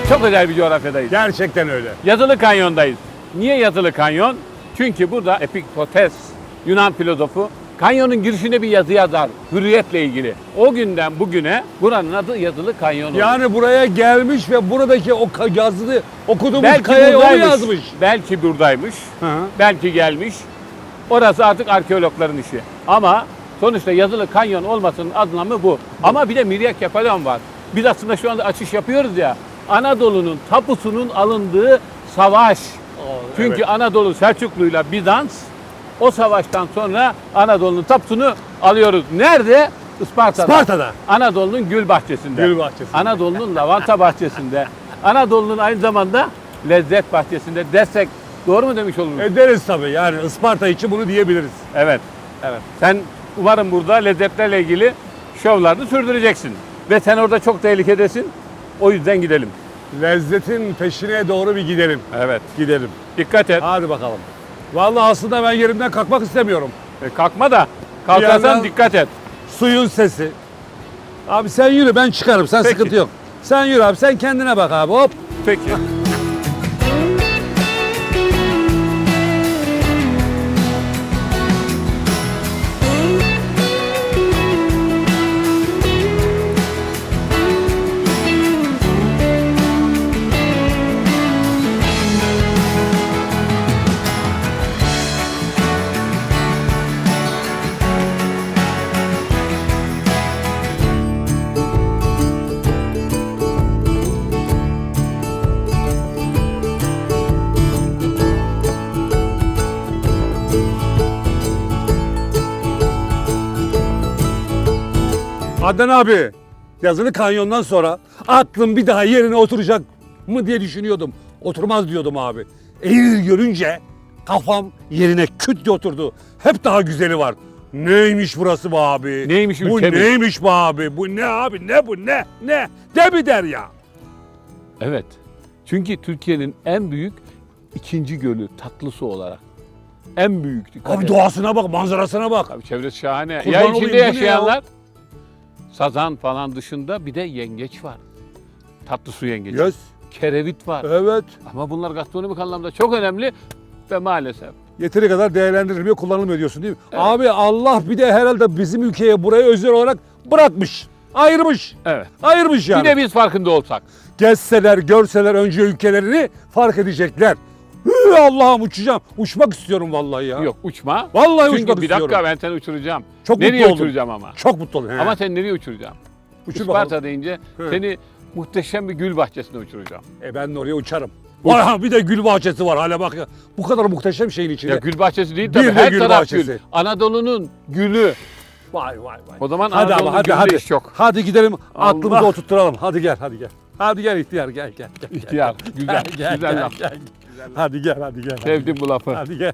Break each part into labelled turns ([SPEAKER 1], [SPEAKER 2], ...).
[SPEAKER 1] Çok özel bir coğrafyadayız.
[SPEAKER 2] Gerçekten öyle.
[SPEAKER 1] Yatılı Kanyon'dayız. Niye Yatılı Kanyon? Çünkü burada Epiktetos, Yunan filozofu, kanyonun girişinde bir yazı yazar, hürriyetle ilgili. O günden bugüne buranın adı Yatılı Kanyon oldu.
[SPEAKER 2] Yani buraya gelmiş ve buradaki o yazılı okuduğumuz
[SPEAKER 1] belki
[SPEAKER 2] kayayı onu
[SPEAKER 1] buradaymış,
[SPEAKER 2] yazmış.
[SPEAKER 1] belki buradaymış,
[SPEAKER 2] Hı hı.
[SPEAKER 1] belki gelmiş. Orası artık arkeologların işi. Ama sonuçta Yatılı Kanyon olmasının anlamı bu. Ama bir de Miryakepalon var. Biz aslında şu anda açış yapıyoruz ya. Anadolu'nun tapusunun alındığı savaş. Çünkü
[SPEAKER 2] evet.
[SPEAKER 1] Anadolu Selçuklu'yla Bizans o savaştan sonra Anadolu'nun tapusunu alıyoruz. Nerede? Isparta'da.
[SPEAKER 2] Isparta'da.
[SPEAKER 1] Anadolu'nun gül bahçesinde.
[SPEAKER 2] Gül bahçesinde.
[SPEAKER 1] Anadolu'nun lavanta bahçesinde. Anadolu'nun aynı zamanda lezzet bahçesinde desek doğru mu demiş oluruz?
[SPEAKER 2] Ederiz tabii, yani Isparta için bunu diyebiliriz.
[SPEAKER 1] Evet. Evet. Sen umarım burada lezzetlerle ilgili şovlarını sürdüreceksin. Ve sen orada çok tehlikedesin. O yüzden gidelim.
[SPEAKER 2] Lezzetin peşine doğru bir gidelim.
[SPEAKER 1] Evet.
[SPEAKER 2] Gidelim.
[SPEAKER 1] Dikkat et.
[SPEAKER 2] Hadi bakalım. Vallahi aslında ben yerimden kalkmak istemiyorum.
[SPEAKER 1] Kalkma da kalkarsan
[SPEAKER 2] yandan-
[SPEAKER 1] dikkat et.
[SPEAKER 2] Suyun sesi. Abi sen yürü, ben çıkarım, sen
[SPEAKER 1] Peki.
[SPEAKER 2] sıkıntı yok. Sen yürü abi, sen kendine bak abi, hop.
[SPEAKER 1] Peki.
[SPEAKER 2] Adnan abi, yazılı kanyondan sonra aklım bir daha yerine oturacak mı diye düşünüyordum. Oturmaz diyordum abi. Eğri görünce kafam yerine küt diye oturdu. Hep daha güzeli var. Neymiş burası be abi?
[SPEAKER 1] Neymiş
[SPEAKER 2] Bu
[SPEAKER 1] ülkemiz?
[SPEAKER 2] neymiş be abi? Bu ne abi? Ne bu? Ne? Ne? De bir der ya.
[SPEAKER 1] Evet. Çünkü Türkiye'nin en büyük ikinci gölü tatlı su olarak. En büyük. Dikkat
[SPEAKER 2] Abi
[SPEAKER 1] et.
[SPEAKER 2] doğasına bak, manzarasına bak.
[SPEAKER 1] Tabii çevresi şahane.
[SPEAKER 2] Kurban
[SPEAKER 1] Ya
[SPEAKER 2] olayım, bu
[SPEAKER 1] içinde
[SPEAKER 2] ne ya?
[SPEAKER 1] yaşayanlar sazan falan dışında bir de yengeç var. Tatlı su yengeci.
[SPEAKER 2] Yes.
[SPEAKER 1] Kerevit var.
[SPEAKER 2] Evet.
[SPEAKER 1] Ama bunlar gastronomik anlamda çok önemli ve maalesef.
[SPEAKER 2] Yeteri kadar değerlendirilmiyor, kullanılmıyor diyorsun değil mi?
[SPEAKER 1] Evet.
[SPEAKER 2] Abi Allah bir de herhalde bizim ülkeye burayı özel olarak bırakmış. Ayırmış.
[SPEAKER 1] Evet.
[SPEAKER 2] Ayırmış yani.
[SPEAKER 1] Bir de biz farkında olsak.
[SPEAKER 2] Gezseler, görseler önce ülkelerini fark edecekler. Allah'ım uçacağım. Uçmak istiyorum vallahi ya.
[SPEAKER 1] Yok uçma.
[SPEAKER 2] Vallahi
[SPEAKER 1] Çünkü
[SPEAKER 2] uçmak
[SPEAKER 1] bir dakika
[SPEAKER 2] istiyorum.
[SPEAKER 1] ben seni uçuracağım.
[SPEAKER 2] Çok
[SPEAKER 1] Nereye
[SPEAKER 2] mutlu oldum.
[SPEAKER 1] uçuracağım ama?
[SPEAKER 2] Çok mutlu oldum. He.
[SPEAKER 1] Ama sen nereye uçuracağım?
[SPEAKER 2] Uçur
[SPEAKER 1] Isparta
[SPEAKER 2] bakalım.
[SPEAKER 1] deyince
[SPEAKER 2] He.
[SPEAKER 1] seni muhteşem bir gül bahçesine uçuracağım.
[SPEAKER 2] Ben de oraya uçarım.
[SPEAKER 1] Uç.
[SPEAKER 2] Vay, bir de gül bahçesi var hala bak ya. Bu kadar muhteşem şeyin içinde.
[SPEAKER 1] Ya gül bahçesi değil
[SPEAKER 2] Bir
[SPEAKER 1] tabii
[SPEAKER 2] de
[SPEAKER 1] her
[SPEAKER 2] gül
[SPEAKER 1] taraf
[SPEAKER 2] bahçesi.
[SPEAKER 1] gül. Anadolu'nun gülü.
[SPEAKER 2] Vay vay vay.
[SPEAKER 1] O zaman
[SPEAKER 2] Hadi
[SPEAKER 1] Anadolu'nun
[SPEAKER 2] ama hadi
[SPEAKER 1] gülünde
[SPEAKER 2] hadi.
[SPEAKER 1] iş yok.
[SPEAKER 2] Hadi gidelim aklımızı
[SPEAKER 1] Allah.
[SPEAKER 2] oturtturalım. Hadi gel hadi gel. Hadi gel ihtiyar gel gel. gel.
[SPEAKER 1] İhtiyar. Güzel.
[SPEAKER 2] Gel,
[SPEAKER 1] güzel
[SPEAKER 2] gel,
[SPEAKER 1] laf.
[SPEAKER 2] gel. Hadi gel hadi gel.
[SPEAKER 1] Sevdim bu lafı.
[SPEAKER 2] Hadi gel.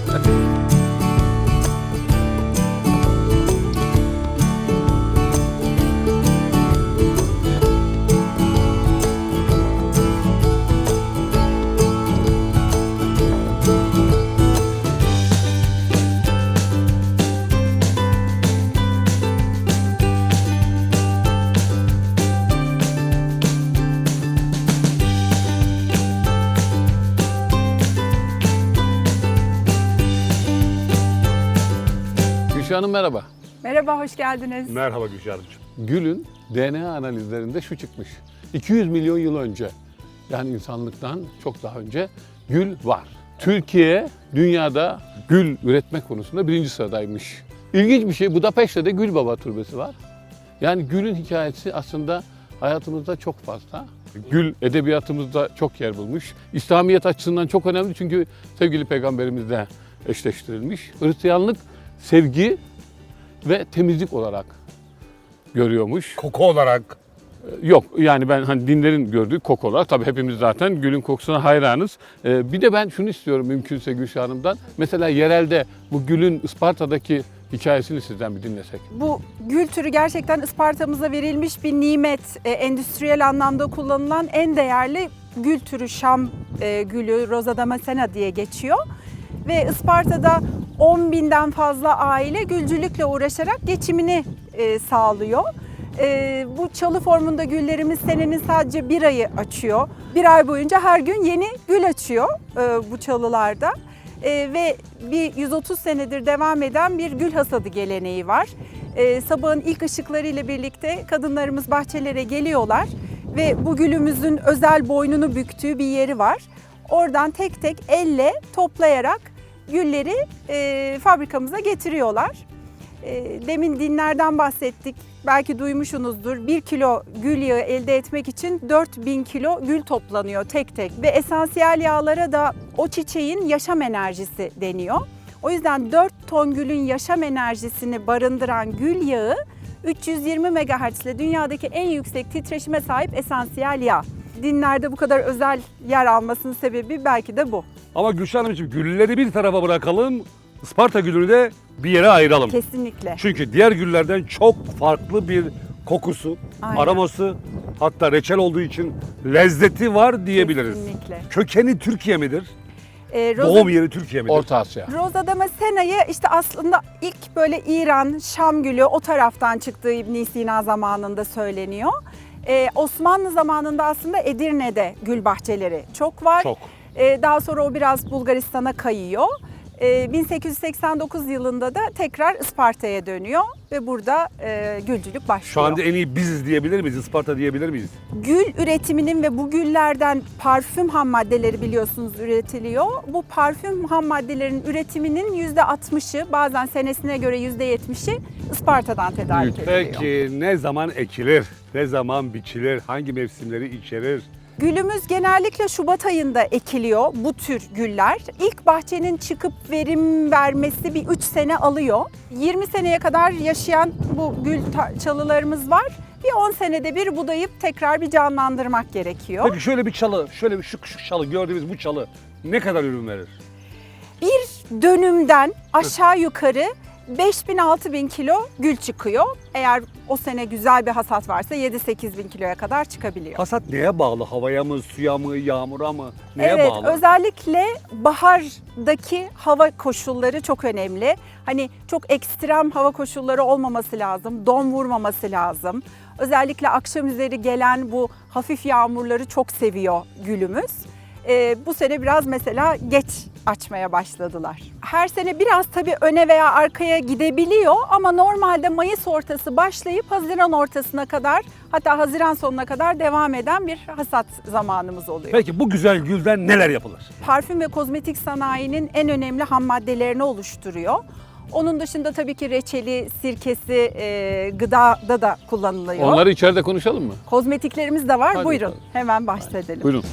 [SPEAKER 1] Gülşah Hanım merhaba.
[SPEAKER 3] Merhaba, hoş geldiniz.
[SPEAKER 2] Merhaba Gülşah'cığım.
[SPEAKER 1] Gülün DNA analizlerinde şu çıkmış. 200 milyon yıl önce, yani insanlıktan çok daha önce gül var. Türkiye dünyada gül üretme konusunda birinci sıradaymış. İlginç bir şey, Budapeşte'de Gül Baba Türbesi var. Yani gülün hikayesi aslında hayatımızda çok fazla. Gül edebiyatımızda çok yer bulmuş. İslamiyet açısından çok önemli çünkü sevgili peygamberimizle eşleştirilmiş. Hristiyanlık sevgi ve temizlik olarak görüyormuş.
[SPEAKER 2] Koku olarak.
[SPEAKER 1] Yok yani ben hani dinlerin gördüğü koku olarak tabii hepimiz zaten gülün kokusuna hayranız. Bir de ben şunu istiyorum mümkünse Gülşah Hanım'dan. Mesela yerelde bu gülün Isparta'daki hikayesini sizden bir dinlesek.
[SPEAKER 3] Bu gül türü gerçekten Isparta'mıza verilmiş bir nimet. Endüstriyel anlamda kullanılan en değerli gül türü Şam gülü, Rosa Damascena diye geçiyor. Ve Isparta'da 10.000'den fazla aile gülcülükle uğraşarak geçimini sağlıyor. Bu çalı formunda güllerimiz senenin sadece bir ayı açıyor. Bir ay boyunca her gün yeni gül açıyor bu çalılarda. Ve bir 130 senedir devam eden bir gül hasadı geleneği var. Sabahın ilk ışıkları ile birlikte kadınlarımız bahçelere geliyorlar ve bu gülümüzün özel boynunu büktüğü bir yeri var. Oradan tek tek elle toplayarak gülleri fabrikamıza getiriyorlar. Demin dinlerden bahsettik. Belki duymuşsunuzdur. 1 kilo gül yağı elde etmek için 4000 kilo gül toplanıyor tek tek. Ve esansiyel yağlara da o çiçeğin yaşam enerjisi deniyor. O yüzden 4 ton gülün yaşam enerjisini barındıran gül yağı 320 MHz ile dünyadaki en yüksek titreşime sahip esansiyel yağ. Dinlerde bu kadar özel yer almasının sebebi belki de bu.
[SPEAKER 2] Ama Gülşah Hanımcığım, gülleri bir tarafa bırakalım. Isparta gülünü de bir yere ayıralım.
[SPEAKER 3] Kesinlikle.
[SPEAKER 2] Çünkü diğer güllerden çok farklı bir kokusu,
[SPEAKER 3] Aynen.
[SPEAKER 2] aroması, hatta reçel olduğu için lezzeti var diyebiliriz.
[SPEAKER 3] Kesinlikle.
[SPEAKER 2] Kökeni Türkiye midir?
[SPEAKER 3] Rosa-
[SPEAKER 2] Doğum yeri Türkiye midir?
[SPEAKER 1] Orta Asya.
[SPEAKER 3] Rosa Damascena'yı işte aslında ilk böyle İran, Şam gülü o taraftan çıktığı İbn Sina zamanında söyleniyor. Osmanlı zamanında aslında Edirne'de gül bahçeleri çok var.
[SPEAKER 2] Çok.
[SPEAKER 3] Daha sonra o biraz Bulgaristan'a kayıyor. 1889 yılında da tekrar Isparta'ya dönüyor ve burada gülcülük başlıyor.
[SPEAKER 2] Şu anda en iyi biziz diyebilir miyiz? Isparta diyebilir miyiz?
[SPEAKER 3] Gül üretiminin ve bu güllerden parfüm ham maddeleri biliyorsunuz üretiliyor. Bu parfüm ham maddelerin üretiminin %60'ı, bazen senesine göre %70'i Isparta'dan tedarik ediliyor.
[SPEAKER 2] Peki ne zaman ekilir? Ne zaman biçilir? Hangi mevsimleri içerir?
[SPEAKER 3] Gülümüz genellikle Şubat ayında ekiliyor bu tür güller. İlk bahçenin çıkıp verim vermesi bir 3 sene alıyor. 20 seneye kadar yaşayan bu gül çalılarımız var. Bir 10 senede bir budayıp tekrar bir canlandırmak gerekiyor.
[SPEAKER 2] Peki şöyle bir çalı, şöyle bir şu çalı, gördüğümüz bu çalı ne kadar ürün verir?
[SPEAKER 3] Bir dönümden aşağı yukarı 5000-6000 kilo gül çıkıyor. Eğer o sene güzel bir hasat varsa 7-8 bin kiloya kadar çıkabiliyor.
[SPEAKER 2] Hasat neye bağlı? Havaya mı, suya mı, yağmura mı? Neye
[SPEAKER 3] Evet,
[SPEAKER 2] bağlı?
[SPEAKER 3] özellikle bahardaki hava koşulları çok önemli. Hani çok ekstrem hava koşulları olmaması lazım, don vurmaması lazım. Özellikle akşam üzeri gelen bu hafif yağmurları çok seviyor gülümüz. Bu sene biraz mesela geç açmaya başladılar. Her sene biraz tabii öne veya arkaya gidebiliyor ama normalde Mayıs ortası başlayıp Haziran ortasına kadar, hatta Haziran sonuna kadar devam eden bir hasat zamanımız oluyor.
[SPEAKER 2] Peki bu güzel gülden neler yapılır?
[SPEAKER 3] Parfüm ve kozmetik sanayinin en önemli ham maddelerini oluşturuyor. Onun dışında tabii ki reçeli, sirkesi, gıdada da kullanılıyor.
[SPEAKER 1] Onları içeride konuşalım mı?
[SPEAKER 3] Kozmetiklerimiz de var.
[SPEAKER 1] Hadi
[SPEAKER 3] Buyurun,
[SPEAKER 1] bakalım.
[SPEAKER 3] hemen bahsedelim.
[SPEAKER 1] Buyurun.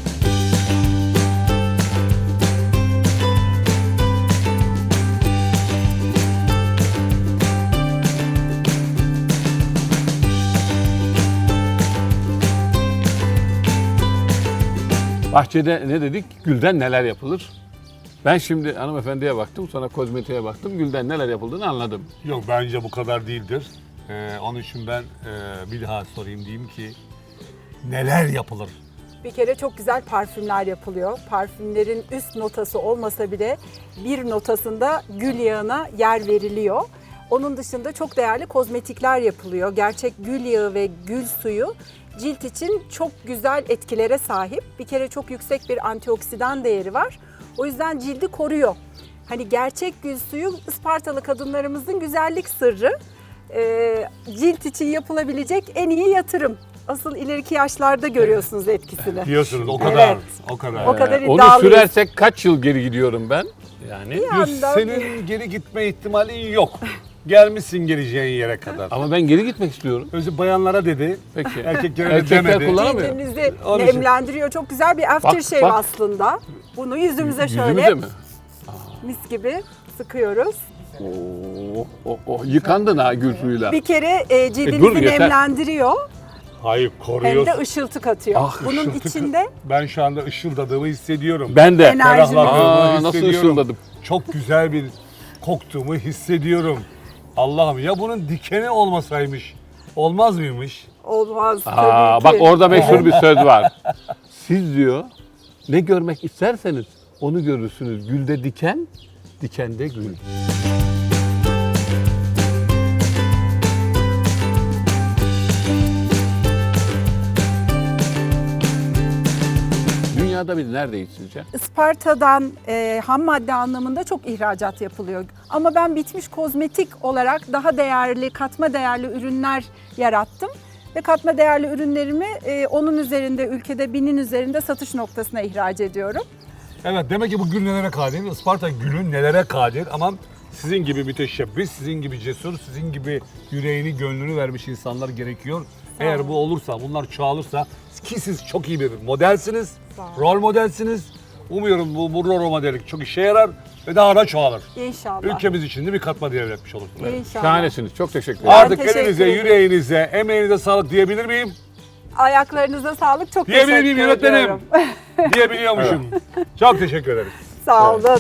[SPEAKER 1] Bahçede ne dedik? Gülden neler yapılır? Ben şimdi hanımefendiye baktım, sonra kozmetiğe baktım. Gülden neler yapıldığını anladım.
[SPEAKER 2] Yok, bence bu kadar değildir. Onun için ben bir daha sorayım, diyeyim ki neler yapılır?
[SPEAKER 3] Bir kere çok güzel parfümler yapılıyor. Parfümlerin üst notası olmasa bile bir notasında gül yağına yer veriliyor. Onun dışında çok değerli kozmetikler yapılıyor. Gerçek gül yağı ve gül suyu cilt için çok güzel etkilere sahip. Bir kere çok yüksek bir antioksidan değeri var. O yüzden cildi koruyor. Hani gerçek gül suyu Ispartalı kadınlarımızın güzellik sırrı. Cilt için yapılabilecek en iyi yatırım. Asıl ileriki yaşlarda görüyorsunuz etkisini.
[SPEAKER 2] Diyorsunuz o kadar,
[SPEAKER 3] Evet.
[SPEAKER 2] o kadar.
[SPEAKER 3] O kadar
[SPEAKER 1] Onu
[SPEAKER 3] iddialıyız.
[SPEAKER 1] sürersek kaç yıl geri gidiyorum ben? Yani.
[SPEAKER 3] Bir anda
[SPEAKER 2] Senin geri gitme ihtimalin yok. Gelmişsin geleceğin yere kadar.
[SPEAKER 1] Ama ben geri gitmek istiyorum.
[SPEAKER 2] Özü bayanlara dedi,
[SPEAKER 1] Peki.
[SPEAKER 2] erkeklere de
[SPEAKER 1] Erkekler
[SPEAKER 2] demedi.
[SPEAKER 1] kullanamıyor.
[SPEAKER 3] cildimizi
[SPEAKER 2] Onun için.
[SPEAKER 3] nemlendiriyor. Çok güzel bir aftershave
[SPEAKER 1] Bak.
[SPEAKER 3] aslında. Bunu yüzümüze şöyle
[SPEAKER 1] Yüzümüze mi?
[SPEAKER 3] mis gibi sıkıyoruz.
[SPEAKER 1] Yıkandın ha gül suyuyla.
[SPEAKER 3] Bir kere
[SPEAKER 1] dur,
[SPEAKER 3] cildimizi
[SPEAKER 1] yeter.
[SPEAKER 3] nemlendiriyor.
[SPEAKER 2] Hayır,
[SPEAKER 3] Hem
[SPEAKER 2] koruyorsun.
[SPEAKER 3] de ışıltı katıyor.
[SPEAKER 1] Ah,
[SPEAKER 3] Bunun
[SPEAKER 2] Işıltı-
[SPEAKER 3] içinde
[SPEAKER 2] Ben şu anda ışıldadığımı hissediyorum.
[SPEAKER 1] Ben de.
[SPEAKER 3] Enerji.
[SPEAKER 2] Ferahladığımı
[SPEAKER 1] Nasıl
[SPEAKER 2] hissediyorum.
[SPEAKER 1] ışıldadım.
[SPEAKER 2] Çok güzel bir koktuğumu hissediyorum. Allah'ım, ya bunun dikeni olmasaymış, olmaz mıymış?
[SPEAKER 3] olmaz
[SPEAKER 1] Aa,
[SPEAKER 3] tabii ki.
[SPEAKER 1] bak orada meşhur bir söz var. Siz diyor ne görmek isterseniz onu görürsünüz. Gülde diken, dikende gül. Dünyada biz neredeyiz sizce?
[SPEAKER 3] Isparta'dan ham madde anlamında çok ihracat yapılıyor. Ama ben bitmiş kozmetik olarak daha değerli, katma değerli ürünler yarattım. Ve katma değerli ürünlerimi onun üzerinde, ülkede 1000'in üzerinde satış noktasına ihraç ediyorum.
[SPEAKER 2] Evet, demek ki bu gül nelere kadir? Isparta gülü nelere kadir? Ama sizin gibi müteşebbis, sizin gibi cesur, sizin gibi yüreğini, gönlünü vermiş insanlar gerekiyor. Eğer bu olursa, bunlar çoğalırsa ki siz çok iyi bir modelsiniz, rol modelsiniz. Umuyorum bu rol modellik çok işe yarar ve daha da çoğalır.
[SPEAKER 3] İnşallah.
[SPEAKER 2] Ülkemiz için de bir katma değer etmiş olursunuz.
[SPEAKER 3] İnşallah.
[SPEAKER 1] Şahanesiniz. Çok teşekkür ederim.
[SPEAKER 2] Artık
[SPEAKER 3] teşekkür
[SPEAKER 2] elinize,
[SPEAKER 3] ederim.
[SPEAKER 2] yüreğinize, emeğinize sağlık diyebilir miyim?
[SPEAKER 3] Ayaklarınıza sağlık. Çok
[SPEAKER 2] Diyebilir
[SPEAKER 3] teşekkür
[SPEAKER 2] miyim yönetmenim?
[SPEAKER 3] ediyorum.
[SPEAKER 2] Diyebiliyormuşum. Çok teşekkür ederiz.
[SPEAKER 3] Sağ olun.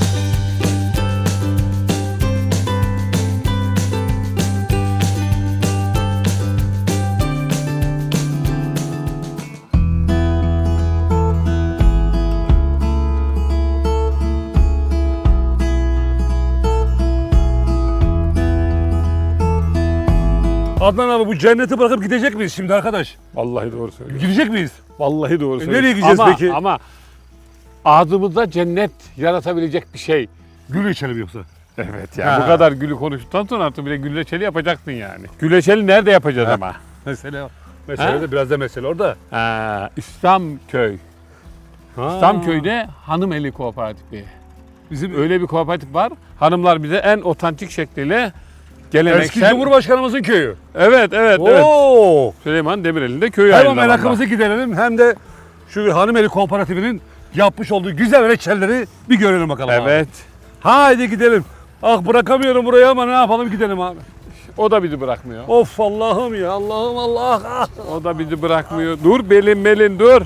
[SPEAKER 2] Adnan abi bu cenneti bırakıp gidecek miyiz şimdi arkadaş?
[SPEAKER 1] Vallahi doğru söylüyorsun.
[SPEAKER 2] Gidecek miyiz?
[SPEAKER 1] Vallahi doğru söylüyorsun.
[SPEAKER 2] nereye gideceğiz
[SPEAKER 1] ama,
[SPEAKER 2] peki?
[SPEAKER 1] Ama ağzımızda cennet yaratabilecek bir şey.
[SPEAKER 2] Gül içelim yoksa.
[SPEAKER 1] Evet ya.
[SPEAKER 2] Ha.
[SPEAKER 1] Bu kadar gülü konuştuktan sonra artık bir de güleçeli yapacaksın yani. Güleçeli nerede yapacağız ama?
[SPEAKER 2] Mesele
[SPEAKER 1] Ha?
[SPEAKER 2] de biraz da mesele orada.
[SPEAKER 1] İslamköy.
[SPEAKER 2] Ha.
[SPEAKER 1] İslamköy'de Hanımeli Kooperatifi.
[SPEAKER 2] Bizim
[SPEAKER 1] Öyle bir kooperatif var. Hanımlar bize en otantik şekliyle
[SPEAKER 2] eski
[SPEAKER 1] geleneksel...
[SPEAKER 2] Cumhurbaşkanımızın köyü.
[SPEAKER 1] Evet, evet, evet.
[SPEAKER 2] Oo.
[SPEAKER 1] Süleyman Demirel'in de köyü
[SPEAKER 2] Hem
[SPEAKER 1] aynı
[SPEAKER 2] merakımızı giderelim hem de şu Hanımeli Kooperatifinin yapmış olduğu güzel reçelleri bir görelim bakalım abi.
[SPEAKER 1] Evet.
[SPEAKER 2] Haydi gidelim. Ah bırakamıyorum burayı ama ne yapalım gidelim abi.
[SPEAKER 1] O da bizi bırakmıyor.
[SPEAKER 2] Of Allah'ım ya Allah'ım Allah. Ah.
[SPEAKER 1] O da bizi bırakmıyor. Dur Belin dur.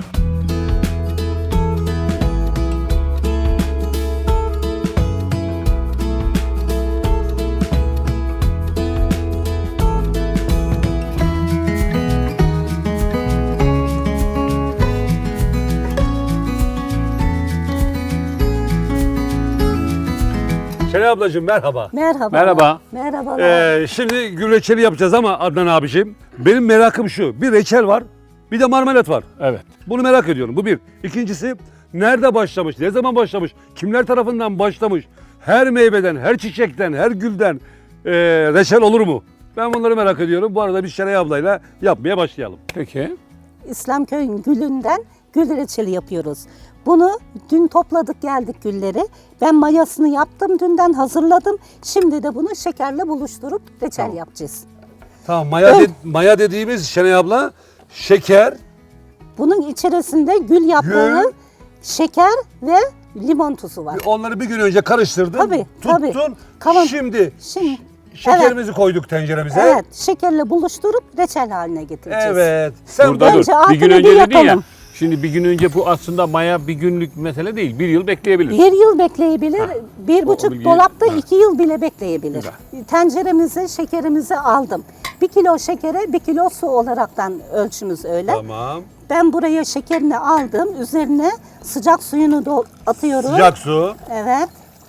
[SPEAKER 2] Şenay ablacığım merhaba.
[SPEAKER 4] Merhaba.
[SPEAKER 1] Merhaba.
[SPEAKER 4] Merhabalar.
[SPEAKER 2] Şimdi gül reçeli yapacağız ama Adnan abiciğim benim merakım şu. Bir reçel var bir de marmelat var.
[SPEAKER 1] Evet.
[SPEAKER 2] Bunu merak ediyorum. Bu bir. İkincisi nerede başlamış? Ne zaman başlamış? Kimler tarafından başlamış? Her meyveden, her çiçekten, her gülden reçel olur mu? Ben bunları merak ediyorum. Bu arada biz Şenay ablayla yapmaya başlayalım.
[SPEAKER 1] Peki.
[SPEAKER 4] İslamköy'ün gülünden gül reçeli yapıyoruz. Bunu dün topladık geldik gülleri. Ben mayasını yaptım dünden hazırladım. Şimdi de bunu şekerle buluşturup reçel yapacağız.
[SPEAKER 2] Tamam maya dediğimiz Şenay abla şeker,
[SPEAKER 4] Bunun içerisinde gül yaprağı,
[SPEAKER 2] Gül.
[SPEAKER 4] şeker ve limon tuzu var.
[SPEAKER 2] onları bir gün önce karıştırdın,
[SPEAKER 4] Tabii, tabii.
[SPEAKER 2] tuttun.
[SPEAKER 4] Kavan-
[SPEAKER 2] Şimdi
[SPEAKER 4] Şimdi
[SPEAKER 2] şekerimizi koyduk tenceremize.
[SPEAKER 4] evet şekerle buluşturup reçel haline getireceğiz.
[SPEAKER 2] Evet. Sen
[SPEAKER 1] Burada dur.
[SPEAKER 4] Bence
[SPEAKER 1] Bir gün
[SPEAKER 4] altını
[SPEAKER 1] önce
[SPEAKER 4] bir
[SPEAKER 1] dedin ya.
[SPEAKER 4] yapalım.
[SPEAKER 1] Şimdi bir gün önce bu aslında maya bir günlük mesele değil. Bir yıl bekleyebilir.
[SPEAKER 4] Bir yıl bekleyebilir, bir
[SPEAKER 1] O
[SPEAKER 4] buçuk
[SPEAKER 1] bilgiyi-
[SPEAKER 4] dolapta
[SPEAKER 1] Ha.
[SPEAKER 4] 2 yıl bile bekleyebilir.
[SPEAKER 1] Güzel.
[SPEAKER 4] Tenceremizi, şekerimizi aldım. 1 kilo şekere 1 kilo su olaraktan ölçümüz öyle.
[SPEAKER 2] Tamam.
[SPEAKER 4] Ben buraya şekerini aldım, üzerine sıcak suyunu atıyorum.
[SPEAKER 2] Sıcak su.
[SPEAKER 4] Evet.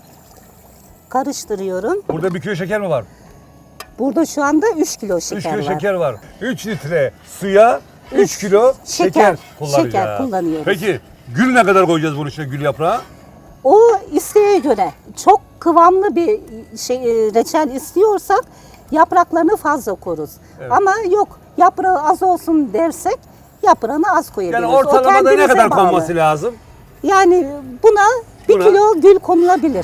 [SPEAKER 4] Karıştırıyorum.
[SPEAKER 2] Burada 1 kilo şeker mi var?
[SPEAKER 4] Burada şu anda 3 kilo
[SPEAKER 2] 3
[SPEAKER 4] şeker
[SPEAKER 2] kilo
[SPEAKER 4] var.
[SPEAKER 2] şeker var. 3 litre suya 3 kilo şeker kullanacağız.
[SPEAKER 4] şeker kullanıyoruz.
[SPEAKER 2] Peki gül ne kadar koyacağız bunun içine gül yaprağı?
[SPEAKER 4] O isteğe göre çok kıvamlı bir reçel istiyorsak yapraklarını fazla koruz. Ama yok yaprağı az olsun dersek yaprağını az koyabiliriz.
[SPEAKER 2] Yani
[SPEAKER 4] O
[SPEAKER 2] ortalamada ne
[SPEAKER 4] kendinize
[SPEAKER 2] kadar
[SPEAKER 4] bağlı.
[SPEAKER 2] konması lazım?
[SPEAKER 4] Yani buna 1
[SPEAKER 2] Buna-
[SPEAKER 4] kilo gül konulabilir.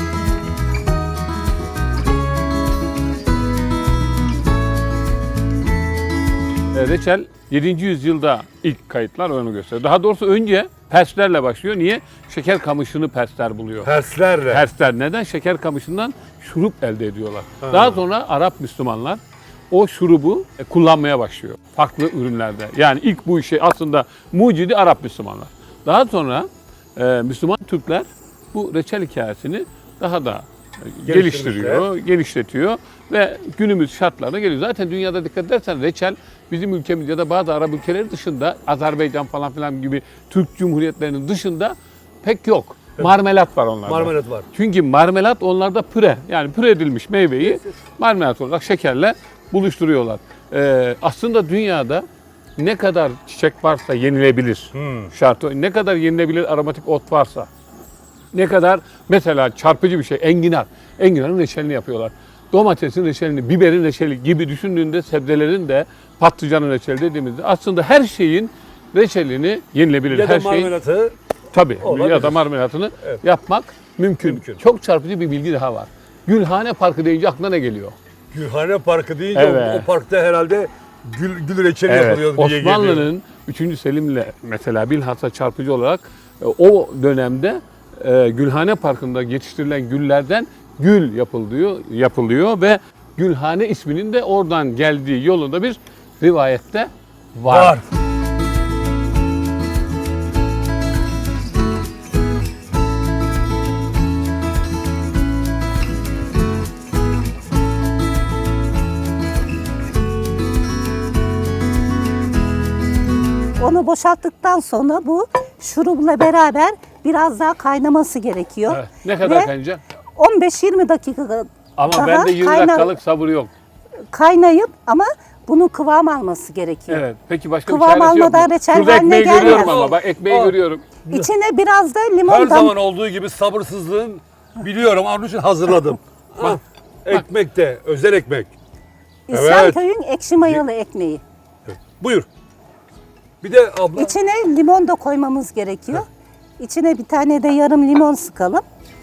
[SPEAKER 1] Reçel 7. yüzyılda ilk kayıtlar onu gösteriyor. Daha doğrusu önce Perslerle başlıyor. Niye? Şeker kamışını Persler buluyor.
[SPEAKER 2] Perslerle.
[SPEAKER 1] Persler neden? Şeker kamışından şurup elde ediyorlar. Daha sonra Arap Müslümanlar o şurubu kullanmaya başlıyor. Farklı ürünlerde. Yani ilk bu işi aslında mucidi Arap Müslümanlar. Daha sonra Müslüman Türkler bu reçel hikayesini daha da geliştiriyor, genişletiyor ve günümüz şartlarına geliyor. Zaten dünyada dikkat edersen reçel bizim ülkemiz ya da bazı Arap ülkeleri dışında Azerbaycan falan filan gibi Türk Cumhuriyetlerinin dışında pek yok. Marmelat var onlarda.
[SPEAKER 2] Marmelat var.
[SPEAKER 1] Çünkü marmelat onlarda püre. Yani püre edilmiş meyveyi marmelat olarak şekerle buluşturuyorlar. Aslında dünyada ne kadar çiçek varsa yenilebilir. Şartı o. Ne kadar yenilebilir aromatik ot varsa. Ne kadar mesela çarpıcı bir şey enginar. Enginarın reçelini yapıyorlar. Domatesin reçelini, biberin reçeli gibi düşündüğünde sebzelerin de patlıcanın reçeli dediğimizde aslında her şeyin reçelini yenilebilir.
[SPEAKER 2] Ya
[SPEAKER 1] her
[SPEAKER 2] da marmelatı.
[SPEAKER 1] tabii
[SPEAKER 2] olabilir.
[SPEAKER 1] ya da marmelatını
[SPEAKER 2] Evet.
[SPEAKER 1] yapmak mümkün.
[SPEAKER 2] Mümkün.
[SPEAKER 1] Çok çarpıcı bir bilgi daha var. Gülhane Parkı deyince aklına ne geliyor?
[SPEAKER 2] Gülhane Parkı deyince
[SPEAKER 1] Evet.
[SPEAKER 2] o parkta herhalde gül reçeli yapılıyor diye geliyor.
[SPEAKER 1] Osmanlı'nın 3. Selim'le mesela bilhassa çarpıcı olarak o dönemde Gülhane Parkı'nda yetiştirilen güllerden gül yapılıyor ve Gülhane isminin de oradan geldiği yolunda bir rivayette var.
[SPEAKER 4] Onu boşalttıktan sonra bu şurubla beraber biraz daha kaynaması gerekiyor.
[SPEAKER 1] Evet. Ne kadar
[SPEAKER 4] Ve
[SPEAKER 1] kaynayacak?
[SPEAKER 4] 15-20 dakika
[SPEAKER 1] Ama
[SPEAKER 4] daha
[SPEAKER 1] bende 20 dakikalık sabır yok.
[SPEAKER 4] kaynayıp ama bunun kıvam alması gerekiyor.
[SPEAKER 1] Evet. Peki başka
[SPEAKER 4] Kıvam
[SPEAKER 1] bir çaresi yok mu?
[SPEAKER 4] almadan reçel
[SPEAKER 1] Şurada
[SPEAKER 4] haline
[SPEAKER 1] ekmeği görüyorum
[SPEAKER 4] gelmez.
[SPEAKER 1] ama bak ekmeği görüyorum.
[SPEAKER 4] İçine biraz da
[SPEAKER 2] Her
[SPEAKER 4] limon
[SPEAKER 2] zaman olduğu gibi sabırsızlığın biliyorum. Onun için hazırladım. Bak, ekmek de özel ekmek.
[SPEAKER 4] İslamköy'ün ekşi mayalı ekmeği.
[SPEAKER 2] Buyur. Bir de abla
[SPEAKER 4] İçine limon da koymamız gerekiyor. İçine bir tane de yarım limon sıkalım.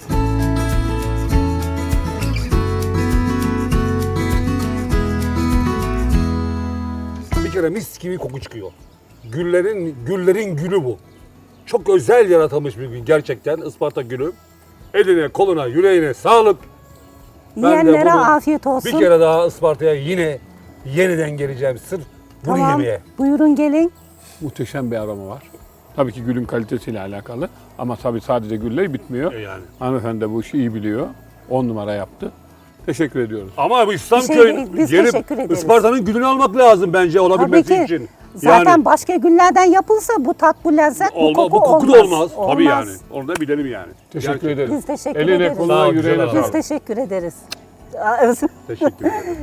[SPEAKER 2] bir kere mis gibi koku çıkıyor. Güllerin gülü bu. Çok özel yaratılmış bir gün gerçekten Isparta gülü. Eline, koluna, yüreğine sağlık. Ben de
[SPEAKER 4] Yiyenlere
[SPEAKER 2] bunu
[SPEAKER 4] afiyet olsun.
[SPEAKER 2] Bir kere daha Isparta'ya yeniden geleceğim sırf bunu
[SPEAKER 4] Tamam.
[SPEAKER 2] yemeye.
[SPEAKER 4] Buyurun gelin.
[SPEAKER 1] Muhteşem bir aroma var. Tabii ki gülün kalitesiyle alakalı ama tabii sadece gülle bitmiyor.
[SPEAKER 2] Yani.
[SPEAKER 1] Hanımefendi de bu işi iyi biliyor. 10 numara yaptı. Teşekkür ediyoruz.
[SPEAKER 2] Ama bu
[SPEAKER 4] Bir şey
[SPEAKER 2] İslamköy'ün
[SPEAKER 4] değil, biz
[SPEAKER 2] gelip
[SPEAKER 4] teşekkür ederiz.
[SPEAKER 2] Isparta'nın gülünü almak lazım bence
[SPEAKER 4] Tabii
[SPEAKER 2] olabilmesi
[SPEAKER 4] ki.
[SPEAKER 2] için.
[SPEAKER 4] Zaten başka güllerden yapılsa bu tat, bu lezzet, bu koku
[SPEAKER 2] bu koku
[SPEAKER 4] olmaz.
[SPEAKER 2] da olmaz. Tabii yani. Onu da bilelim yani.
[SPEAKER 1] Teşekkür
[SPEAKER 2] Gerçekten.
[SPEAKER 1] ederiz.
[SPEAKER 4] Biz teşekkür
[SPEAKER 1] Eline
[SPEAKER 4] ederiz.
[SPEAKER 2] Sağ
[SPEAKER 1] koluna
[SPEAKER 2] ol, güzel
[SPEAKER 1] yüreğine
[SPEAKER 2] adam.
[SPEAKER 4] Biz
[SPEAKER 1] sağlık.
[SPEAKER 4] teşekkür ederiz.
[SPEAKER 2] Teşekkür ederim.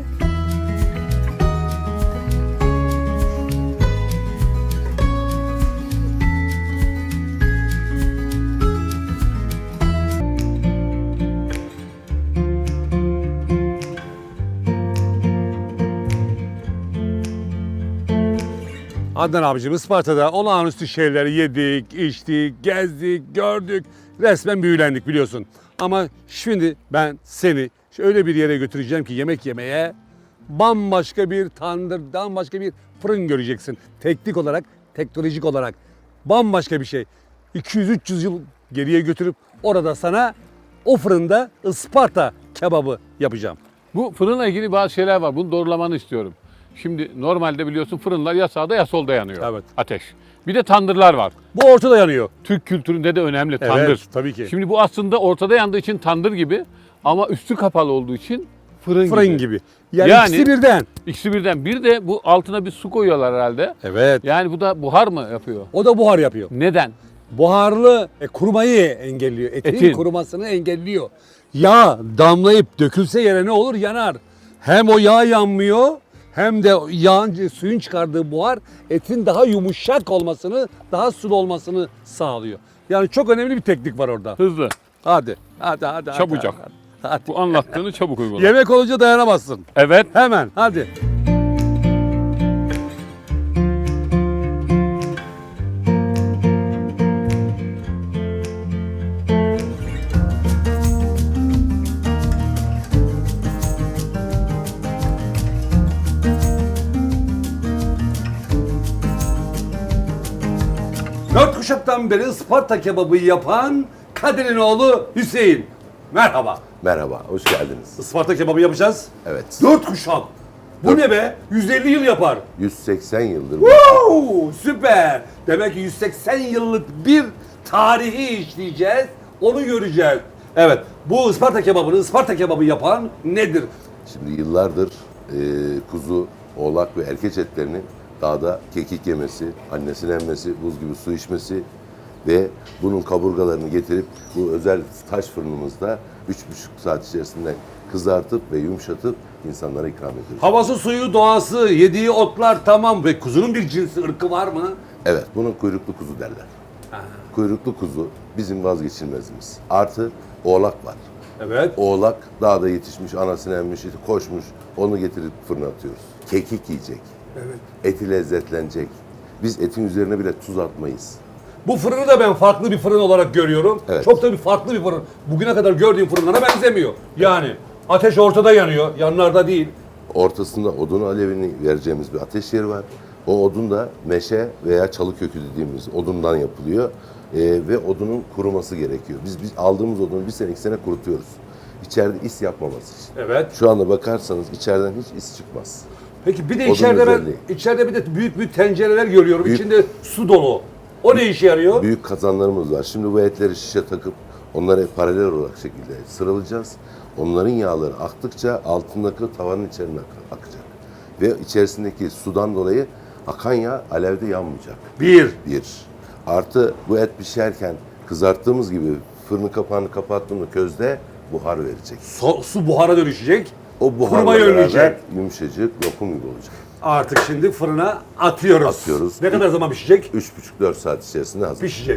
[SPEAKER 2] Adnan abicim Isparta'da olağanüstü şeyleri yedik, içtik, gezdik, gördük. Resmen büyülendik biliyorsun. Ama şimdi ben seni öyle bir yere götüreceğim ki yemek yemeye bambaşka bir tandır, bambaşka bir fırın göreceksin. Teknik olarak, teknolojik olarak bambaşka bir şey. 200-300 yıl geriye götürüp orada sana o fırında Isparta kebabı yapacağım.
[SPEAKER 1] Bu fırınla ilgili bazı şeyler var. Bunu doğrulamanı istiyorum. Şimdi normalde biliyorsun fırınlar ya sağda ya solda yanıyor.
[SPEAKER 2] Evet.
[SPEAKER 1] Ateş. Bir de tandırlar var.
[SPEAKER 2] Bu ortada yanıyor.
[SPEAKER 1] Türk kültüründe de önemli tandır.
[SPEAKER 2] tabii ki.
[SPEAKER 1] Şimdi bu aslında ortada yandığı için tandır gibi ama üstü kapalı olduğu için fırın
[SPEAKER 2] Gibi. Yani,
[SPEAKER 1] Yani-
[SPEAKER 2] ikisi birden.
[SPEAKER 1] İkisi birden. Bir de bu altına bir su koyuyorlar herhalde.
[SPEAKER 2] Evet.
[SPEAKER 1] Yani bu da buhar mı yapıyor?
[SPEAKER 2] O da buhar yapıyor.
[SPEAKER 1] Neden?
[SPEAKER 2] Buharlı kurumayı engelliyor. Etin kurumasını engelliyor. Yağ damlayıp dökülse yere ne olur? Yanar. Hem o yağ yanmıyor hem de yağın, suyun çıkardığı buhar etin daha yumuşak olmasını, daha sulu olmasını sağlıyor. Yani çok önemli bir teknik var orada.
[SPEAKER 1] Hızlı.
[SPEAKER 2] Hadi.
[SPEAKER 1] Çabucak.
[SPEAKER 2] Hadi.
[SPEAKER 1] Bu anlattığını çabuk uygula.
[SPEAKER 2] Yemek olunca dayanamazsın.
[SPEAKER 1] Evet.
[SPEAKER 2] Hemen hadi. Dört kuşaktan beri Isparta kebabı yapan Kadir'in oğlu Hüseyin. Merhaba.
[SPEAKER 5] Merhaba, hoş geldiniz.
[SPEAKER 2] Isparta kebabı yapacağız.
[SPEAKER 5] Evet,
[SPEAKER 2] 4 kuşak. Bu ne be? 150 yıl yapar.
[SPEAKER 5] 180 yıldır bu.
[SPEAKER 2] Woo! Süper. Demek ki 180 yıllık bir tarihi işleyeceğiz. Onu göreceğiz. Evet. Bu Isparta kebabı yapan nedir?
[SPEAKER 5] Şimdi yıllardır kuzu, oğlak ve erkeç etlerinin dağda kekik yemesi, annesinin emmesi, buz gibi su içmesi ve bunun kaburgalarını getirip bu özel taş fırınımızda 3,5 saat içerisinde kızartıp ve yumuşatıp insanlara ikram ediyoruz.
[SPEAKER 2] Havası, suyu, doğası, yediği otlar tamam ve kuzunun bir cinsi, ırkı var mı?
[SPEAKER 5] Evet, bunun kuyruklu kuzu derler. Kuyruklu kuzu bizim vazgeçilmezimiz. Artı oğlak var.
[SPEAKER 2] Evet.
[SPEAKER 5] Oğlak dağda yetişmiş, anasını emmiş, koşmuş. Onu getirip fırına atıyoruz. Kekik yiyecek.
[SPEAKER 2] Evet.
[SPEAKER 5] Eti lezzetlenecek. Biz etin üzerine bile tuz atmayız.
[SPEAKER 2] Bu fırını da ben farklı bir fırın olarak görüyorum.
[SPEAKER 5] Evet.
[SPEAKER 2] Çok da bir farklı bir fırın. Bugüne kadar gördüğüm fırınlara benzemiyor. Yani ateş ortada yanıyor, yanlarda değil.
[SPEAKER 5] Ortasında odun alevini vereceğimiz bir ateş yeri var. O odun da meşe veya çalı kökü dediğimiz odundan yapılıyor. Ve odunun kuruması gerekiyor. Biz aldığımız odunu 1 sene 2 sene kurutuyoruz. İçeride is yapmaması için.
[SPEAKER 2] Evet.
[SPEAKER 5] Şu anda bakarsanız içeriden hiç is çıkmaz.
[SPEAKER 2] Peki bir de
[SPEAKER 5] Odun
[SPEAKER 2] içeride
[SPEAKER 5] özelliği.
[SPEAKER 2] içeride bir de büyük büyük tencereler görüyorum.
[SPEAKER 5] Büyük-
[SPEAKER 2] İçinde su dolu. O ne işe yarıyor?
[SPEAKER 5] Büyük kazanlarımız var. Şimdi bu etleri şişe takıp onları paralel olarak şekilde sıralayacağız. Onların yağları aktıkça altındaki tavanın içerisine akacak. Ve içerisindeki sudan dolayı akan yağ alevde yanmayacak.
[SPEAKER 2] Bir.
[SPEAKER 5] Bir. Artı bu et pişerken kızarttığımız gibi fırının kapağını kapattığımda közde buhar verecek.
[SPEAKER 2] Su buhara dönüşecek.
[SPEAKER 5] O buharla
[SPEAKER 2] Kurmayı önleyecek.
[SPEAKER 5] beraber yumuşacık lokum gibi olacak.
[SPEAKER 2] Artık şimdi fırına atıyoruz.
[SPEAKER 5] Atıyoruz.
[SPEAKER 2] Ne kadar zaman pişecek?
[SPEAKER 5] 3,5-4 saat içerisinde hazır.
[SPEAKER 2] Pişecek.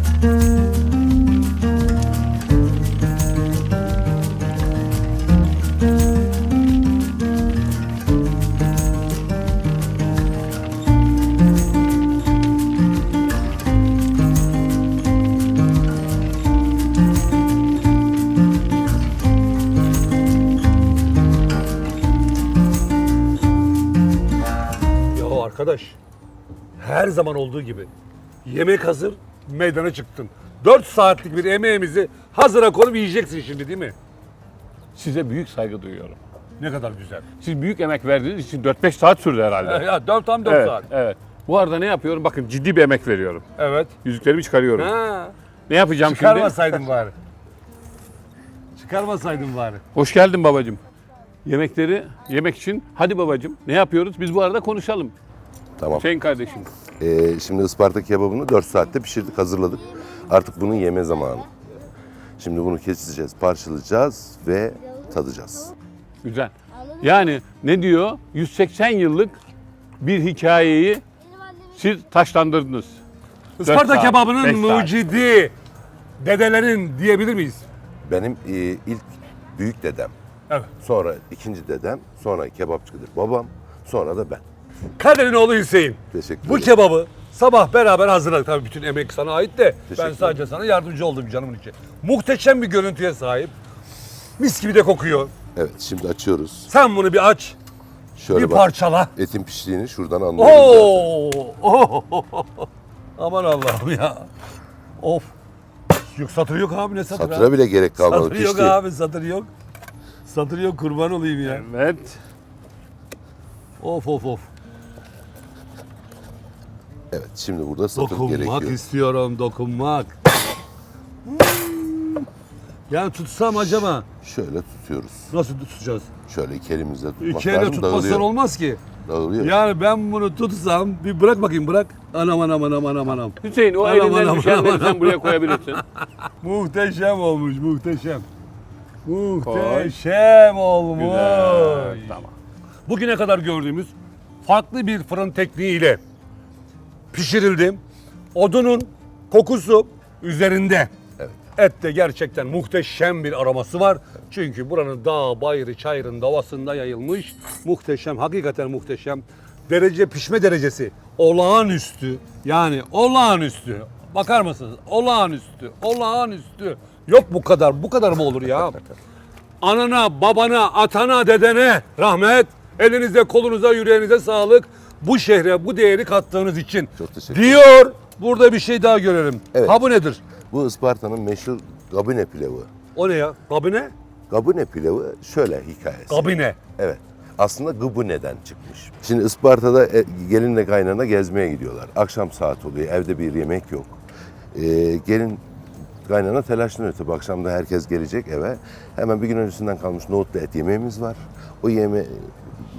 [SPEAKER 2] Ya arkadaş, her zaman olduğu gibi yemek hazır, meydana çıktın. 4 saatlik bir emeğimizi hazıra konup yiyeceksin şimdi değil mi?
[SPEAKER 1] Size büyük saygı duyuyorum.
[SPEAKER 2] Ne kadar güzel.
[SPEAKER 1] Siz büyük emek verdiğiniz için 4-5 saat sürdü herhalde.
[SPEAKER 2] Ya 4
[SPEAKER 1] evet,
[SPEAKER 2] saat.
[SPEAKER 1] evet. Bu arada ne yapıyorum? Bakın ciddi bir emek veriyorum.
[SPEAKER 2] Evet.
[SPEAKER 1] Yüzüklerimi çıkarıyorum.
[SPEAKER 2] Ha.
[SPEAKER 1] Ne yapacağım şimdi?
[SPEAKER 2] Çıkarmasaydın bari. Çıkarmasaydın bari.
[SPEAKER 1] Hoş geldin babacığım. Yemekleri yemek için hadi babacığım ne yapıyoruz? Biz bu arada konuşalım.
[SPEAKER 5] Tamam.
[SPEAKER 1] Hüseyin kardeşim.
[SPEAKER 5] Şimdi Isparta kebabını 4 saatte pişirdik, hazırladık. Artık bunun yeme zamanı. Şimdi bunu keseceğiz, parçalayacağız ve tadacağız.
[SPEAKER 1] Güzel. Yani ne diyor? 180 yıllık bir hikayeyi siz taşlandırdınız.
[SPEAKER 2] Isparta
[SPEAKER 1] saat,
[SPEAKER 2] kebabının
[SPEAKER 1] 5 saat.
[SPEAKER 2] mucidi dedelerin diyebilir miyiz?
[SPEAKER 5] Benim ilk büyük dedem,
[SPEAKER 2] Evet.
[SPEAKER 5] sonra ikinci dedem, sonra kebapçıdır babam, sonra da ben.
[SPEAKER 2] Kader'in oğlu Hüseyin.
[SPEAKER 5] Teşekkür
[SPEAKER 2] Bu
[SPEAKER 5] ederim.
[SPEAKER 2] kebabı sabah beraber hazırladık. Tabii bütün emek sana ait de
[SPEAKER 5] Teşekkür
[SPEAKER 2] ben sadece sana yardımcı oldum canımın içi. Muhteşem bir görüntüye sahip. Mis gibi de kokuyor.
[SPEAKER 5] Evet, şimdi açıyoruz.
[SPEAKER 2] Sen bunu bir aç,
[SPEAKER 5] Şöyle
[SPEAKER 2] bir
[SPEAKER 5] bak,
[SPEAKER 2] parçala.
[SPEAKER 5] etin piştiğini şuradan anlıyoruz zaten.
[SPEAKER 2] Oo! Aman Allah'ım ya. Of. Yok satır yok abi, ne satır
[SPEAKER 5] Satıra
[SPEAKER 2] abi?
[SPEAKER 5] bile gerek kalmadı,
[SPEAKER 2] Satır yok
[SPEAKER 5] pişti.
[SPEAKER 2] abi, satır yok. Satır yok, kurban olayım ya.
[SPEAKER 1] Evet.
[SPEAKER 2] Of of of.
[SPEAKER 5] Evet, şimdi burada satır
[SPEAKER 2] Dokunmak
[SPEAKER 5] gerekiyor.
[SPEAKER 2] istiyorum, dokunmak. Yani tutsam acaba
[SPEAKER 5] Şöyle tutuyoruz.
[SPEAKER 2] nasıl tutacağız?
[SPEAKER 5] Şöyle iki elimizle tutmak
[SPEAKER 2] İki elle
[SPEAKER 5] lazım,
[SPEAKER 2] tutmazsan
[SPEAKER 5] dağılıyor.
[SPEAKER 2] olmaz ki.
[SPEAKER 5] Dağılıyor.
[SPEAKER 2] Yani ben bunu tutsam, bir bırak bakayım, bırak. Anam anam anam anam anam.
[SPEAKER 1] Hüseyin o
[SPEAKER 2] Anam,
[SPEAKER 1] elinden
[SPEAKER 2] anam,
[SPEAKER 1] düşenleri
[SPEAKER 2] anam,
[SPEAKER 1] sen
[SPEAKER 2] anam.
[SPEAKER 1] buraya koyabilirsin.
[SPEAKER 2] Muhteşem olmuş, muhteşem. Muhteşem olmuş.
[SPEAKER 1] Güzel. Tamam.
[SPEAKER 2] Bugüne kadar gördüğümüz farklı bir fırın tekniğiyle pişirildi. Odunun kokusu üzerinde.
[SPEAKER 5] Evet.
[SPEAKER 2] Ette gerçekten muhteşem bir aroması var. Çünkü buranın dağ, bayırı, çayırın davasında yayılmış. Muhteşem, hakikaten muhteşem. Pişme derecesi olağanüstü. Yani olağanüstü. Bakar mısınız? Olağanüstü, olağanüstü. Yok bu kadar mı olur ya? Anana, babana, atana, dedene rahmet. Elinize, kolunuza, yüreğinize sağlık. Bu şehre bu değeri kattığınız için.
[SPEAKER 5] Çok teşekkür
[SPEAKER 2] Diyor. Burada bir şey daha görelim.
[SPEAKER 5] Evet.
[SPEAKER 2] Ha bu nedir?
[SPEAKER 5] Bu Isparta'nın meşhur gabine pilavı.
[SPEAKER 2] O ne ya? Kabine?
[SPEAKER 5] Gabine pilavı şöyle hikayesi.
[SPEAKER 2] Kabine.
[SPEAKER 5] Evet. Aslında gıbıne'den çıkmış. Şimdi Isparta'da gelinle kaynana gezmeye gidiyorlar. Akşam saat oluyor, evde bir yemek yok. Gelin kaynana telaşlanıyor tabii. Akşam da herkes gelecek eve. Hemen bir gün öncesinden kalmış nohutlu et yemeğimiz var. O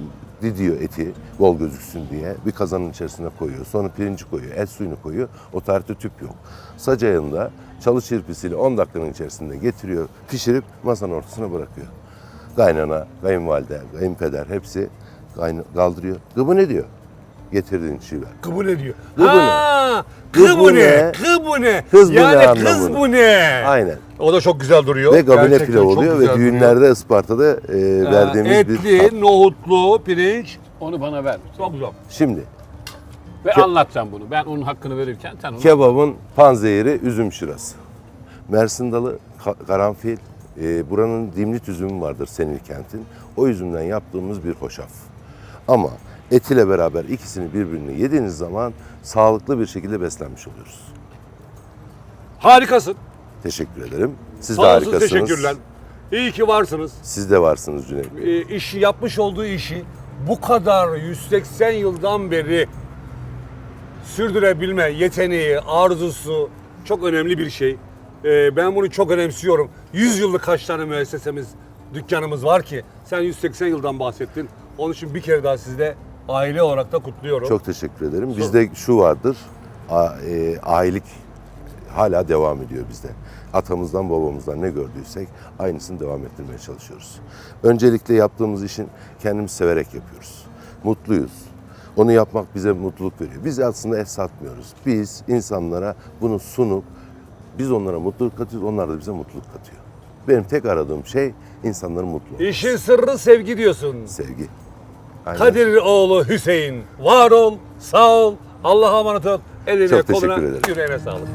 [SPEAKER 5] didiyor eti bol gözüksün diye. Bir kazanın içerisine koyuyor. Sonra pirinci koyuyor. Et suyunu koyuyor. O tarihte tüp yok. Saç ayında çalı çırpisiyle 10 dakikanın içerisinde getiriyor. Pişirip masanın ortasına bırakıyor. Kaynana, kayınvalide, kayınpeder hepsi kaldırıyor. Gıbı ne diyor? Getirdiğin çiğ ver.
[SPEAKER 2] Kıbı ne diyor?
[SPEAKER 5] Kıbı ne?
[SPEAKER 2] Ha,
[SPEAKER 5] Kıbı
[SPEAKER 2] kıbı ne?
[SPEAKER 5] ne?
[SPEAKER 2] Kıbı ne?
[SPEAKER 5] Kız bu ne
[SPEAKER 2] Yani kız
[SPEAKER 5] anlamında.
[SPEAKER 2] bu ne?
[SPEAKER 5] Aynen.
[SPEAKER 2] O da çok güzel duruyor.
[SPEAKER 5] Ve gabine
[SPEAKER 2] Gerçekten
[SPEAKER 5] pilav
[SPEAKER 2] çok
[SPEAKER 5] oluyor ve
[SPEAKER 2] güzel duruyor.
[SPEAKER 5] düğünlerde Isparta'da verdiğimiz bir tat.
[SPEAKER 2] Etli, nohutlu, pirinç.
[SPEAKER 1] Onu bana ver.
[SPEAKER 2] Çok güzel.
[SPEAKER 5] Şimdi
[SPEAKER 1] Ve anlat sen bunu. Ben onun hakkını verirken sen onu...
[SPEAKER 5] kebabın panzehiri üzüm şırası. Mersin dalı, karanfil, buranın dimlit üzümü vardır Senilkent'in. O üzümden yaptığımız bir hoşaf. Ama et ile beraber ikisini birbirine yediğiniz zaman sağlıklı bir şekilde beslenmiş oluyoruz.
[SPEAKER 2] Harikasın.
[SPEAKER 5] Teşekkür ederim. Siz de
[SPEAKER 2] Sağ olsun,
[SPEAKER 5] harikasınız.
[SPEAKER 2] teşekkürler. İyi ki varsınız.
[SPEAKER 5] Siz de varsınız Cüneyt Bey.
[SPEAKER 2] İşi yapmış olduğu işi bu kadar 180 yıldan beri sürdürebilme yeteneği, arzusu çok önemli bir şey. Ben bunu çok önemsiyorum. 100 yıllık kaç tane müessesemiz, dükkanımız var ki sen 180 yıldan bahsettin. Onun için bir kere daha sizde aile olarak da kutluyorum.
[SPEAKER 5] Çok teşekkür ederim. Bizde şu vardır, ailelik hala devam ediyor bizde. Atamızdan babamızdan ne gördüysek aynısını devam ettirmeye çalışıyoruz. Öncelikle yaptığımız işin kendimiz severek yapıyoruz. Mutluyuz. Onu yapmak bize mutluluk veriyor. Biz aslında et satmıyoruz. Biz insanlara bunu sunup biz onlara mutluluk katıyoruz, onlar da bize mutluluk katıyor. Benim tek aradığım şey insanların mutlu olması.
[SPEAKER 2] İşin sırrı sevgi diyorsun.
[SPEAKER 5] Sevgi. Aynen.
[SPEAKER 2] Kadir oğlu Hüseyin. Var ol, sağ ol. Allah'a emanet ol. Eline,
[SPEAKER 5] Çok teşekkür
[SPEAKER 2] koluna,
[SPEAKER 5] ederim.
[SPEAKER 2] yüreğine sağlık.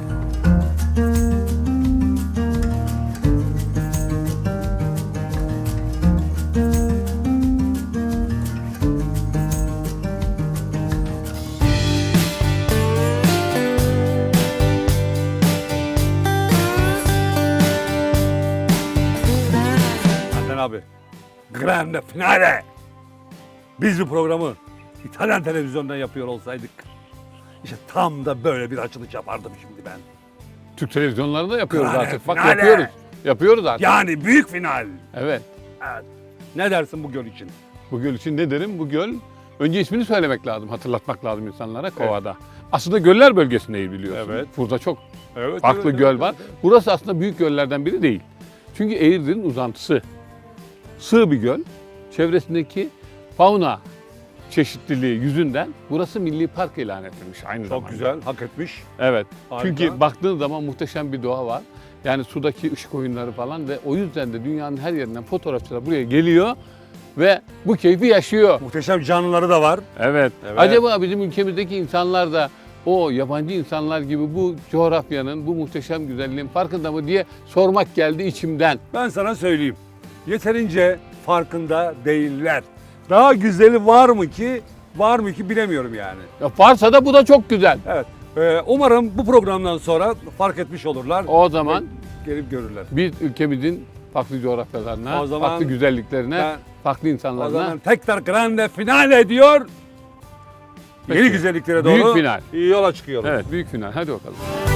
[SPEAKER 2] Adnan abi, grande finale. Biz bu programı İtalyan televizyondan yapıyor olsaydık, işte tam da böyle bir açılış yapardım şimdi ben.
[SPEAKER 1] Türk televizyonlarında yapıyoruz
[SPEAKER 2] Finale,
[SPEAKER 1] artık. Bak
[SPEAKER 2] finale.
[SPEAKER 1] yapıyoruz. Yapıyoruz artık.
[SPEAKER 2] Yani büyük final.
[SPEAKER 1] Evet.
[SPEAKER 2] Evet. Ne dersin bu göl için?
[SPEAKER 1] Bu göl için ne derim? Bu göl, önce ismini söylemek lazım, hatırlatmak lazım insanlara Kova'da. Aslında göller bölgesindeyiz biliyorsun.
[SPEAKER 2] Evet.
[SPEAKER 1] Burada çok
[SPEAKER 2] Evet.
[SPEAKER 1] farklı göl var. Burası aslında büyük göllerden biri değil. Çünkü Eğirdir'in uzantısı. Sığ bir göl. Çevresindeki fauna çeşitliliği yüzünden burası milli park ilan edilmiş aynı zamanda.
[SPEAKER 2] Çok güzel, hak etmiş.
[SPEAKER 1] Evet.
[SPEAKER 2] Harika.
[SPEAKER 1] Çünkü baktığın zaman muhteşem bir doğa var. Yani sudaki ışık oyunları falan ve o yüzden de dünyanın her yerinden fotoğrafçılar buraya geliyor ve bu keyfi yaşıyor.
[SPEAKER 2] Muhteşem canlıları da var.
[SPEAKER 1] Evet.
[SPEAKER 2] Evet.
[SPEAKER 1] Acaba bizim ülkemizdeki insanlar da o yabancı insanlar gibi bu coğrafyanın, bu muhteşem güzelliğin farkında mı diye sormak geldi içimden.
[SPEAKER 2] Ben sana söyleyeyim. Yeterince farkında değiller. Daha güzeli var mı ki bilemiyorum yani.
[SPEAKER 1] Ya varsa da bu da çok güzel.
[SPEAKER 2] Evet. Umarım bu programdan sonra fark etmiş olurlar.
[SPEAKER 1] O zaman
[SPEAKER 2] Gelip görürler.
[SPEAKER 1] biz ülkemizin farklı coğrafyalarına,
[SPEAKER 2] O zaman
[SPEAKER 1] farklı güzelliklerine,
[SPEAKER 2] ben-
[SPEAKER 1] farklı
[SPEAKER 2] O
[SPEAKER 1] insanlarına
[SPEAKER 2] zaman tekrar grande finale diyor.
[SPEAKER 1] Peki.
[SPEAKER 2] Yeni güzelliklere doğru
[SPEAKER 1] Büyük final.
[SPEAKER 2] yola çıkıyoruz.
[SPEAKER 1] evet büyük final. Hadi bakalım.